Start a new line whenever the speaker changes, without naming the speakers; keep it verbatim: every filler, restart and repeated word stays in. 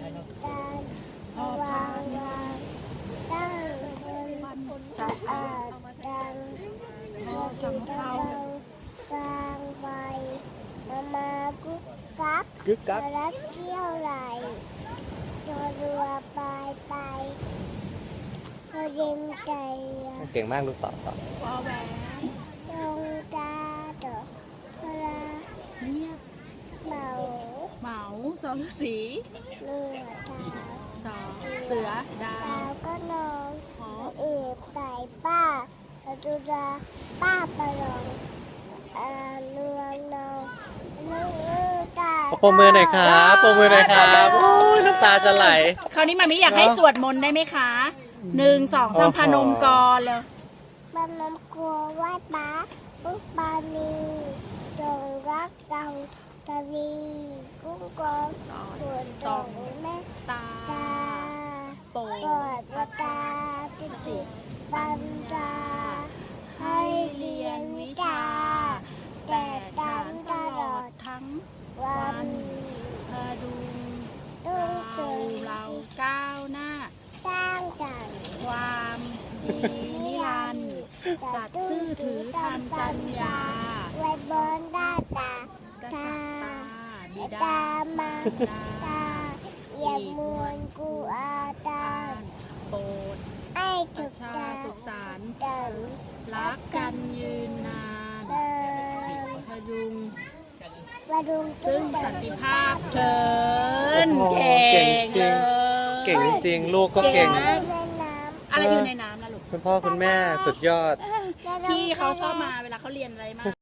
การวางวางตั้งคนสะอาดดังพอสำเภาฟางไฟมามากุ๊กกัก
กึกกัก
รักเที่ยวไหลตัวรัวไปไปเขาเย็นใจ
เก่งมากลูกต่อต่อ
วอแหวน
ลงตาดอกพระ
เงียบ
เหมา
เหมาสอฤาษี
เลือดขาว
สอเสือดา
ดาว วก็นอน
หอ
เอกใส่ป้าตุดาป้าประลองอาเนืองนองนึกตา
ปรบมือหน่อยครับปรบมือหน่อยครับโอ้ยน้ำตาจะไหล
คราวนี้มามิอยากให้สวดมนต์ได้ไหมคะหนึ่งสองสามพนมกรเลย
บ้านน้ำกลัวไหว้ป้าปุ๊บปานีส่งรักเราตะวีกุ้งกอง
สอน
ส่วน
ส
ส่
อง
งแม่
ตา
ตา
โปร
ปอด
ด
ตาติติปัญญาให้เรียนวิชา แต่จำตลอด
ทั้ง
วั
วัน นพดุง
ต้อง
เรา
เกิด
เราก้าวหน้า
สร้างสรรค์
ความดีนิรันดร์สัตย์ซื่อถือธรรมจัญญา
ไว้บนด้านตาก
ษั
ตา
ตริย์ตาบิดา
ตามา
ดา
ตาอย่ามวนกูอาตา
โปรด
ไอ้
ป
ถู
ระ
ก
ชา
ตา
สุขสันต์
ดัง
รักกันยืนนาน
เดิน
พยุง
มาดุง
ซึ่งสันติภาพเถิน
โอ้โห
เก่ง
เก่งจริ
เล
ง
ย
เก่งจริงๆลูกก็เก่ง
ในน้
อะไรอยู่ในน้ำนะลูก
คุณพ่อคุณแม่สุดยอด
ำ
พี่เขาชอบมาเวลาเขาเรียนอะไรมาก